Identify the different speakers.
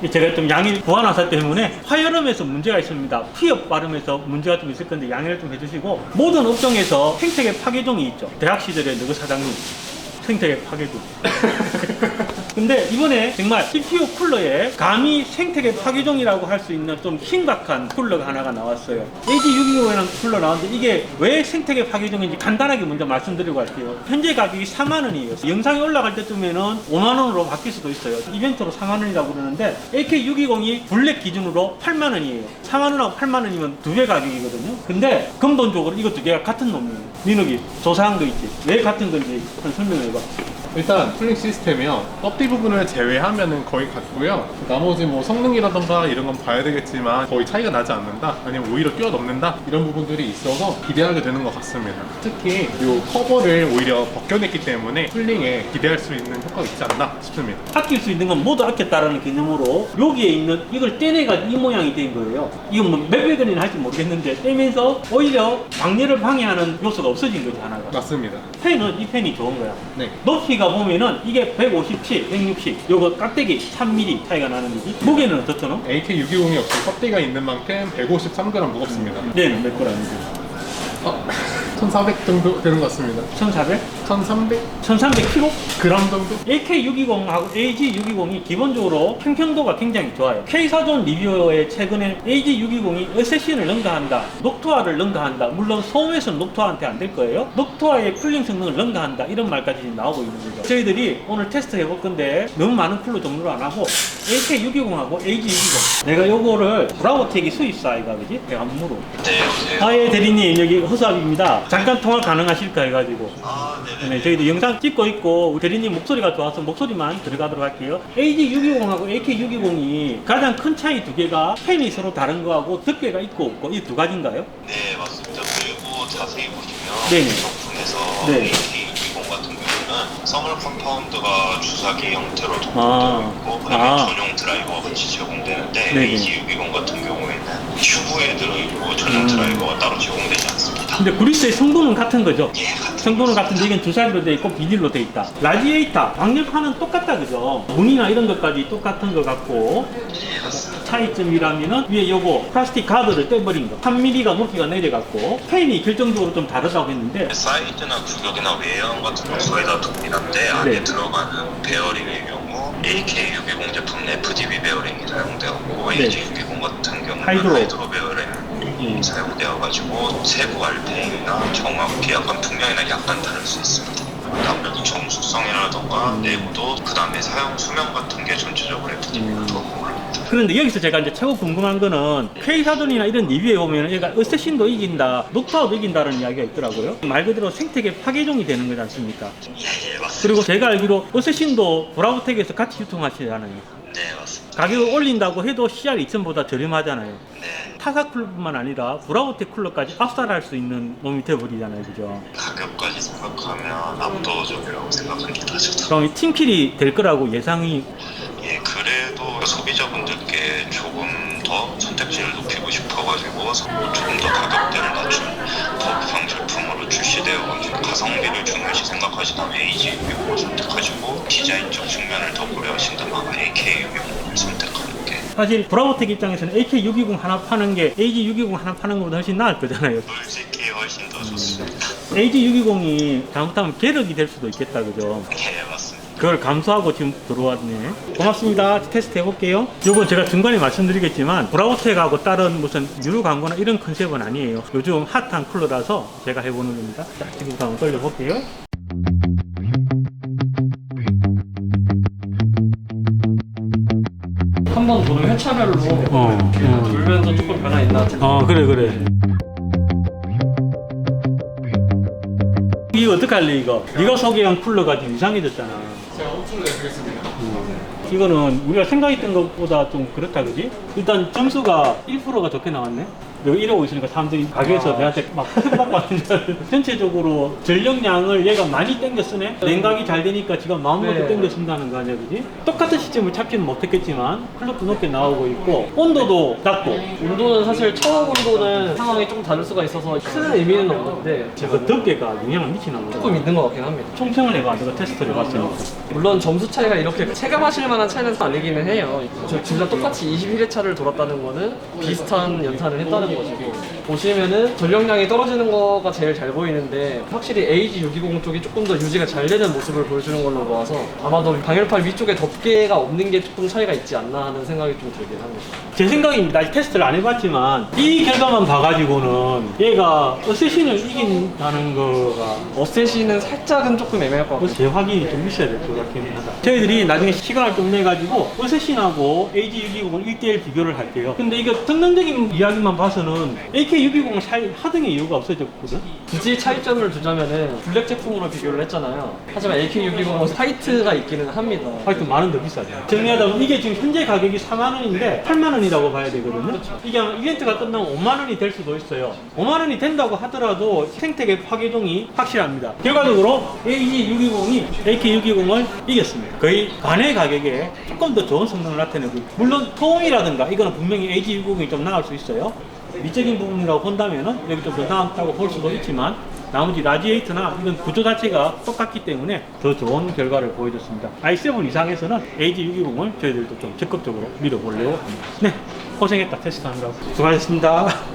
Speaker 1: 제가 좀 양일 보완화사 때문에 화열음에서 문제가 있습니다. 피업 발음에서 문제가 좀 있을 건데 양해를 좀 해주시고, 모든 업종에서 생태계 파괴종이 있죠. 대학 시절에 누구 사장님 생태계 파괴종. 근데 이번에 정말 CPU 쿨러에 감히 생태계 파괴종이라고 할 수 있는 좀 신박한 쿨러가 하나가 나왔어요. AG625라는 쿨러 나왔는데 이게 왜 생태계 파괴종인지 간단하게 먼저 말씀드리고 갈게요. 현재 가격이 4만원이에요. 영상이 올라갈 때쯤에는 5만원으로 바뀔 수도 있어요. 이벤트로 4만원이라고 그러는데 AK620이 블랙 기준으로 8만원이에요. 4만원하고 8만원이면 두 배 가격이거든요. 근데 근본적으로 이거 두 개가 같은 놈이에요. 민욱이 조사한 거 있지? 왜 같은 건지 한 설명해봐.
Speaker 2: 일단 쿨링 시스템이요, 껍데기 부분을 제외하면은 거의 같고요. 나머지 뭐 성능이라던가 이런 건 봐야 되겠지만 거의 차이가 나지 않는다, 아니면 오히려 뛰어넘는다, 이런 부분들이 있어서 기대하게 되는 것 같습니다. 특히 이 커버를 오히려 벗겨냈기 때문에 쿨링에 기대할 수 있는 효과가 있지 않나 싶습니다.
Speaker 1: 아낄 수 있는 건 모두 아꼈다라는 개념으로 여기에 있는 이걸 떼내가지고 이 모양이 된 거예요. 이건 뭐 몇백 원이나 할지 모르겠는데 떼면서 오히려 방열을 방해하는 요소가 없어진 거지, 하나가.
Speaker 2: 맞습니다.
Speaker 1: 펜은 이 펜이 좋은 거야.
Speaker 2: 네.
Speaker 1: 높이가 보면은 이게 157, 160, 요거 깍대기 3mm 차이가 나는 거지. 무게는 어떻더노?
Speaker 2: AK620이 역시 껍데기가 있는 만큼 153g 무겁습니다.
Speaker 1: 얘는 몇 g이지?
Speaker 2: 1400 정도 되는 것 같습니다.
Speaker 1: 1400?
Speaker 2: 1300g
Speaker 1: 1300kg?
Speaker 2: 정도?
Speaker 1: AK620하고 AG620이 기본적으로 평평도가 굉장히 좋아요. K사전 리뷰어에 최근에 AG620이 어쌔신을 능가한다, 녹투화를 능가한다, 물론 소음에서는 녹투화한테 안 될 거예요. 녹투화의 쿨링 성능을 능가한다, 이런 말까지 나오고 있는 거죠. 저희들이 오늘 테스트 해볼 건데 너무 많은 쿨러 종류를 안 하고 AK620하고 AG620, 내가 요거를 브라보텍이 수입사이가 그지? 내가 한번 물어.
Speaker 3: 네, 여보세요?
Speaker 1: 아예 대리님, 여기 허수아비입니다. 잠깐 통화 가능하실까 해가지고.
Speaker 3: 아, 네네.
Speaker 1: 네, 저희도 영상 찍고 있고 대리님 목소리가 좋아서 목소리만 들어가도록 할게요. AG620하고 AK620이 가장 큰 차이 두 개가 펜이 서로 다른 거하고 덮개가 있고 없고 이 두 가지인가요?
Speaker 3: 네, 맞습니다. 그리고 자세히 보시면
Speaker 1: 네네.
Speaker 3: 이 제품에서
Speaker 1: 네.
Speaker 3: AK620 같은 경우는 서멀 컴파운드가 주사기 형태로
Speaker 1: 아.
Speaker 3: 동봉되어 있고, 그다음에
Speaker 1: 아.
Speaker 3: 전용 드라이버가 같이 제공되는데
Speaker 1: 네네.
Speaker 3: AG620 같은 경우에는 튜브에 들어있고 전용 드라이버가 따로 제공되지 않습니다.
Speaker 1: 근데 그리스의 성분은 같은 거죠?
Speaker 3: 예, 같은
Speaker 1: 성분은 같은데 이건 주사기로 돼 있고 비닐로 돼 있다. 라디에이터, 방열판은 똑같다, 그죠? 무늬나 이런 것까지 똑같은 것 같고,
Speaker 3: 예, 맞습니다.
Speaker 1: 차이점이라면은 위에 요거 플라스틱 가드를 떼버린 거, 3mm가 높이가 내려갔고 펜이 결정적으로 좀 다르다고 했는데
Speaker 3: 사이즈나 구격이나 외형 같은 건 거의 다 동일한데 안에
Speaker 1: 네.
Speaker 3: 들어가는 베어링의 경우 AK620 제품 FDB 베어링이 사용되었고
Speaker 1: 네.
Speaker 3: AG620 같은 경우는
Speaker 1: 하이드로.
Speaker 3: 하이드로 베어링이 사용되어가지고 세부 RPM이나 정확히 약간 분명이나 약간 다를 수 있습니다. 아무래도 정수성이라던가 내구도, 그 다음에 사용 수명 같은 게 전체적으로 FDB가 더 궁금합니다.
Speaker 1: 그런데 여기서 제가 이제 최고 궁금한 거는 K사전이나 이런 리뷰에 보면 얘가 어쌔신도 이긴다, 녹투화도 이긴다는 이야기가 있더라고요. 말 그대로 생태계 파괴종이 되는 거지 않습니까?
Speaker 3: 예, 맞습니다.
Speaker 1: 그리고 제가 알기로 어쌔신도 브라보텍에서 같이 유통하시잖아요.
Speaker 3: 네, 맞습니다.
Speaker 1: 가격을 올린다고 해도 CR2000보다 저렴하잖아요.
Speaker 3: 네,
Speaker 1: 타사 쿨러뿐만 아니라 브라보텍 쿨러까지 압살할 수 있는 놈이 돼버리잖아요, 그죠?
Speaker 3: 가격까지 생각하면 압도적이라고 생각합니다. 저도.
Speaker 1: 그럼 이 팀킬이 될 거라고 예상이.
Speaker 3: 예, 그래도 소비자분들께 조금 더 선택지를 높이고 싶어가지고 조금 더 가격대를 낮춘 고부상 제품으로 출시되어가지고 가성비를 중요시 생각하시다면 AG620을 선택하시고 디자인적 측면을 더 고려하신다면 AK620을 선택하는 게
Speaker 1: 사실 브라보텍 입장에서는 AK620 하나 파는 게 AG620 하나 파는 것보다 훨씬 나을 거잖아요.
Speaker 3: 솔직히 훨씬 더 좋습니다.
Speaker 1: AG620이 잘못하면 계력이 될 수도 있겠다, 그죠?
Speaker 3: 예, 맞습니다.
Speaker 1: 그걸 감수하고 지금 들어왔네. 고맙습니다. 테스트 해볼게요. 요건 제가 중간에 말씀드리겠지만 브라보텍하고 다른 무슨 유료 광고나 이런 컨셉은 아니에요. 요즘 핫한 쿨러라서 제가 해보는 겁니다. 자, 지금부터 한번 돌려볼게요.
Speaker 4: 한 번 도는 회차별로 돌면서 조금 변화 있나?
Speaker 1: 그래. 이거 어떡할래, 이거? 네가 소개한 쿨러가 지금 이상해졌잖아.
Speaker 2: 제가 호출을 내드리겠습니다.
Speaker 1: 이거는 우리가 생각했던 것보다 좀 그렇다, 그지? 일단 점수가 1%가 좋게 나왔네? 여기 이러고 있으니까 사람들이 가게에서 내한테 막 받고 하는 줄. 전체적으로 전력량을 얘가 많이 땡겨 쓰네? 냉각이 잘 되니까 지가 마음먹고
Speaker 4: 네.
Speaker 1: 땡겨 쓴다는 거 아니야, 그지? 똑같은 시점을 잡지는 못했겠지만 클럭도 높게 나오고 있고 온도도 낮고.
Speaker 4: 온도는 사실 처음 온도는 상황이 조금 다를 수가 있어서 큰 의미는 없는데
Speaker 1: 그 덮개가 영향을 미치나 보다.
Speaker 4: 조금 있는 것 같긴 합니다.
Speaker 1: 총평을 해봐, 내가 테스트를 해봤으니까.
Speaker 4: 물론 점수 차이가 이렇게 체감하실 만한 차이는 아니기는 해요. 저 둘 다 똑같이 21회차를 돌았다는 거는 비슷한 연산을 했다는 것이고, 보시면은 전력량이 떨어지는 거가 제일 잘 보이는데 확실히 AG620 쪽이 조금 더 유지가 잘 되는 모습을 보여주는 걸로 보아서 아마도 방열판 위쪽에 덮개가 없는 게 조금 차이가 있지 않나 하는 생각이 좀 들긴 합니다.
Speaker 1: 제 생각입니다. 아직 테스트를 안 해봤지만 이 결과만 봐가지고는 얘가 어쌔신을 이긴다는 거가
Speaker 4: 어쌔신은 살짝은 조금 애매할 것 같고,
Speaker 1: 재확인이 좀 있어야 될 것 같긴 하다. 저희들이 나중에 시간을 좀 내가지고 어쌔신하고 AG620을 1대1 비교를 할게요. 근데 이거 성능적인 이야기만 봐서는 AK620을 살 하등의 이유가 없어졌거든.
Speaker 4: 굳이 차이점을 두자면은 블랙 제품으로 비교를 했잖아요. 하지만 AK620은 화이트가 있기는 합니다.
Speaker 1: 하여튼 만원 더 비싸죠. 정리하다 보면 이게 지금 현재 가격이 4만원인데 8만원이라고 봐야 되거든요. 이게 아마 이벤트가 끝나면 5만원이 될 수도 있어요. 5만원이 된다고 하더라도 생태계 파괴종이 확실합니다. 결과적으로 AG620이 AK620을 이겼습니다. 거의 반의 가격에 조금 더 좋은 성능을 나타내고, 물론 소음이라든가 이거는 분명히 AG620이 좀 나을 수 있어요. 미적인 부분이라고 본다면은 여기 좀 더 나았다고 볼 수도 있지만, 나머지 라디에이터나 이런 구조 자체가 똑같기 때문에 더 좋은 결과를 보여줬습니다. i7 이상에서는 AG620을 저희들도 좀 적극적으로 밀어보려고 합니다. 네, 고생했다 테스트하느라고. 수고하셨습니다.